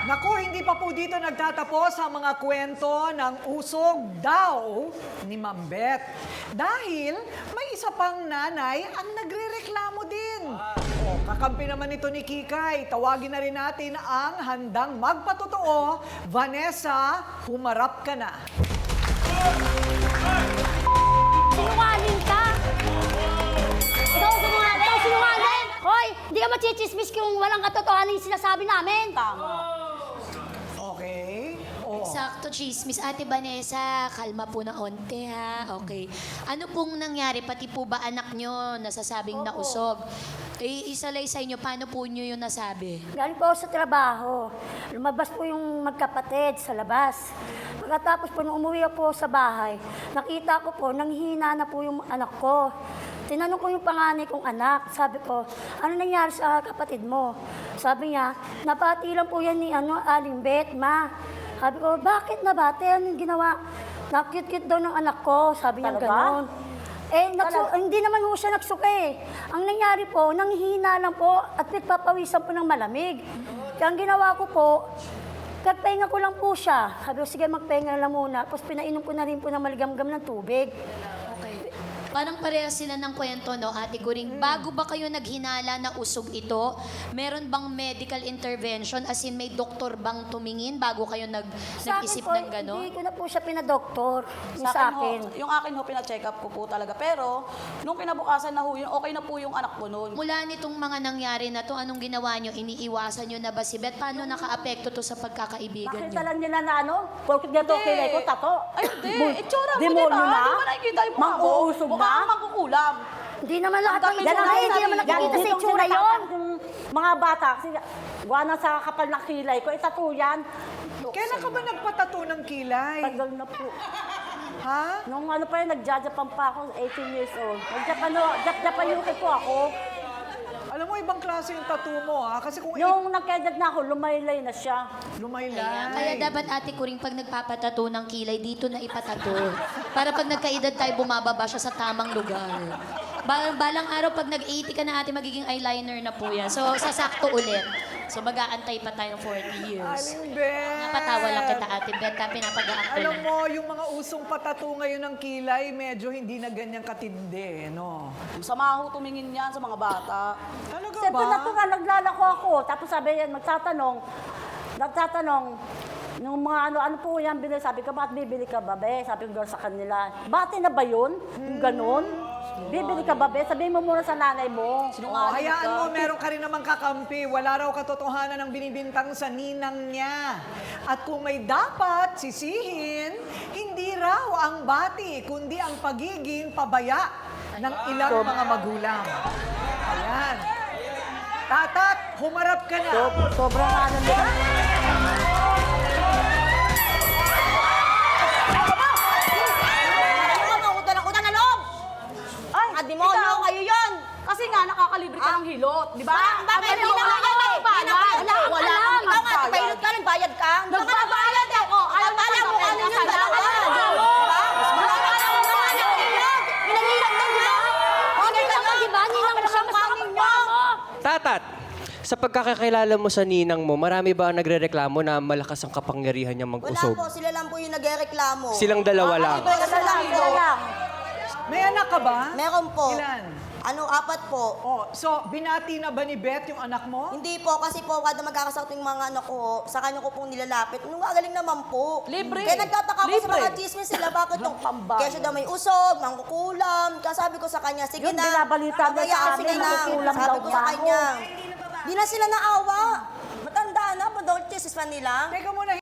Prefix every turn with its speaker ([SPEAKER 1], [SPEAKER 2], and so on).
[SPEAKER 1] Naku, hindi pa po dito nagtatapos ang mga kwento ng usog daw ni Ma'am Beth. Dahil may isa pang nanay ang nagrereklamo din. Kakampi naman ito ni Kikay. Tawagin na rin natin ang handang magpatotoo. Vanessa, humarap ka na.
[SPEAKER 2] Sinungaling ka! Ikaw sinungaling! Hoy, hindi ka machichismis kung walang katotohanan yung sinasabi namin. Tama.
[SPEAKER 1] Okay? Oh.
[SPEAKER 3] Sakto, chismis. Ate Vanessa, kalma po na onte, ha? Okay. Ano pong nangyari? Pati po ba anak nyo nasasabing nausog? Eh, isalay sa inyo, paano po nyo yung nasabi?
[SPEAKER 2] Galing po ako sa trabaho. Lumabas po yung magkapatid sa labas. Pagkatapos po, nung umuwi po sa bahay, nakita ko po, nanghihina na po yung anak ko. Tinanong ko yung panganay kong anak. Sabi ko, ano nangyari sa kapatid mo? Sabi niya, napati lang po yan ni Aling Beth, ma. Sabi ko, bakit nabati? Anong ginawa? Nakit-kit daw ng anak ko. Sabi niya gano'n. Eh, hindi naman po siya nagsuka eh. Ang nangyari po, nanghihina lang po at nagpapawisan po ng malamig. Kaya ang ginawa ko po, nagpahinga ko lang po siya. Sabi ko, sige, magpahinga lang muna. Tapos pinainom ko na rin po ng maligamgam ng tubig.
[SPEAKER 3] Okay. Parang parehas sila ng kwento, no, Ate Guring? Bago ba kayo naghinala na usog ito, meron bang medical intervention? As in, may doktor bang tumingin bago kayo nag-isip ng gano'n?
[SPEAKER 2] Hindi ko na po siya pinadoktor. Yung sa akin.
[SPEAKER 4] Yung akin ho, pina-check up ko po talaga. Pero, nung kinabukasan na ho, yun, okay na po yung anak ko noon.
[SPEAKER 3] Mula nitong mga nangyari na to, anong ginawa nyo? Iniiwasan nyo na ba si Beth? Paano naka-apekto to sa pagkakaibigan nyo?
[SPEAKER 5] Bakit lang nila na ano? Porkit dito kilay ko, tato.
[SPEAKER 4] Ay, hindi. Itsura mo, di
[SPEAKER 5] Demonyo
[SPEAKER 4] ba?
[SPEAKER 5] na?
[SPEAKER 4] Di ba nakikita yung mukha mo?
[SPEAKER 5] Mang-uusog na?
[SPEAKER 4] Mukhang mangkukulam.
[SPEAKER 2] Hindi naman lahat ng
[SPEAKER 4] Ang dami
[SPEAKER 2] itsura,
[SPEAKER 4] na
[SPEAKER 2] hindi naman nakikita sa itsura yun.
[SPEAKER 5] Yung mga bata, kasi gawa na sa kapal ng kilay ko, tato yan.
[SPEAKER 1] Kailan ka ba nagpatato ng kilay?
[SPEAKER 5] Tagal na po.
[SPEAKER 1] Ha?
[SPEAKER 5] Nung ano pa yun, nagja-Japan pa ako, 18 years old. Nag-Japan UK po ako.
[SPEAKER 1] Alam mo, ibang klase yung tattoo mo, ha? Kasi kung
[SPEAKER 5] Yung nagka-edad na ako, lumaylay na siya.
[SPEAKER 1] lumaylay.
[SPEAKER 3] Kaya dapat Ate Kuring, pag nagpapatato ng kilay, dito na ipatato. Para pag nagkaedad tayo, bumababa siya sa tamang lugar. Balang araw, pag nag-80 ka na ate, magiging eyeliner na po yan. So, sasakto ulit. So, mag-aantay pa tayo ng 40 years.
[SPEAKER 1] Aling Beth!
[SPEAKER 3] Napatawa lang kita, Ate Beth, pinapag-aak ko
[SPEAKER 1] Alam
[SPEAKER 3] na.
[SPEAKER 1] mo, yung mga usong patato ngayon ng kilay, medyo hindi na ganyang katindi, no?
[SPEAKER 4] Sama ho tumingin yan sa mga bata.
[SPEAKER 1] Talaga
[SPEAKER 5] Siyempre
[SPEAKER 1] ba?
[SPEAKER 5] na po nga, naglalako ako. Tapos sabi yan, nagtatanong, nung mga ano po yan, binili, sabi ko, bakit bibili ka ba, be? Sabi ko sa kanila, bati na ba yun? Yung ganun? Bibili ka ba, be? Sabihin mo muna sa nanay mo.
[SPEAKER 1] Hayaan mo, meron ka rin namang kakampi. Wala raw katotohanan ng binibintang sa ninang niya. At kung may dapat sisihin, hindi raw ang bati, kundi ang pagiging pabaya ng ilang mga magulang. Ayan. Tatat, humarap ka na.
[SPEAKER 5] Sobrang ano nila.
[SPEAKER 4] Demonyo, kayo yun! Kasi nga, nakakalibre ka ng hilot, di ba?
[SPEAKER 6] Bakit? Hindi naman yan eh.
[SPEAKER 4] Wala.
[SPEAKER 6] Ikaw nga, nagpahilot ka, nagbayad ka.
[SPEAKER 4] Nagbabayad eh!
[SPEAKER 6] Alam mo ano yung dalawa. Pinaghilot lang, di ba?
[SPEAKER 2] Okay lang ka, di ba? Ninang mo siya, mas nakapagpa mo.
[SPEAKER 7] Tatat, sa pagkakakilala mo sa ninang mo, marami ba ang nagrereklamo na malakas ang kapangyarihan niyang
[SPEAKER 6] Wala
[SPEAKER 7] mag-usog?
[SPEAKER 6] po, sila lang po yung nagreklamo.
[SPEAKER 7] Silang dalawa lang.
[SPEAKER 6] Sila lang.
[SPEAKER 1] May anak ka ba?
[SPEAKER 6] Meron po.
[SPEAKER 1] Ilan?
[SPEAKER 6] 4 po.
[SPEAKER 1] Oh, so, binati na ba ni Beth yung anak mo?
[SPEAKER 6] Hindi po, kasi po, kada magkakasakto yung mga anak ko, sa kanya ko pong nilalapit. Nung gagaling naman po.
[SPEAKER 4] Libre.
[SPEAKER 6] Kaya nagtataka ko sa
[SPEAKER 4] Libre.
[SPEAKER 6] mga chismis sila, bakit yung
[SPEAKER 4] pambahay.
[SPEAKER 6] kaya siya daw may usog, mangkukulam. Kaya sabi ko sa kanya, sige
[SPEAKER 5] Yun,
[SPEAKER 6] na.
[SPEAKER 5] binabalita niya sa
[SPEAKER 6] Pabayaan,
[SPEAKER 5] amin,
[SPEAKER 6] sige na.
[SPEAKER 5] mangkukulam
[SPEAKER 6] Sabi
[SPEAKER 5] daw
[SPEAKER 6] ko sa
[SPEAKER 5] ba ako?
[SPEAKER 6] kanya. Di na sila naawa. Matanda na, daw chismis pa nila.
[SPEAKER 1] Teka muna,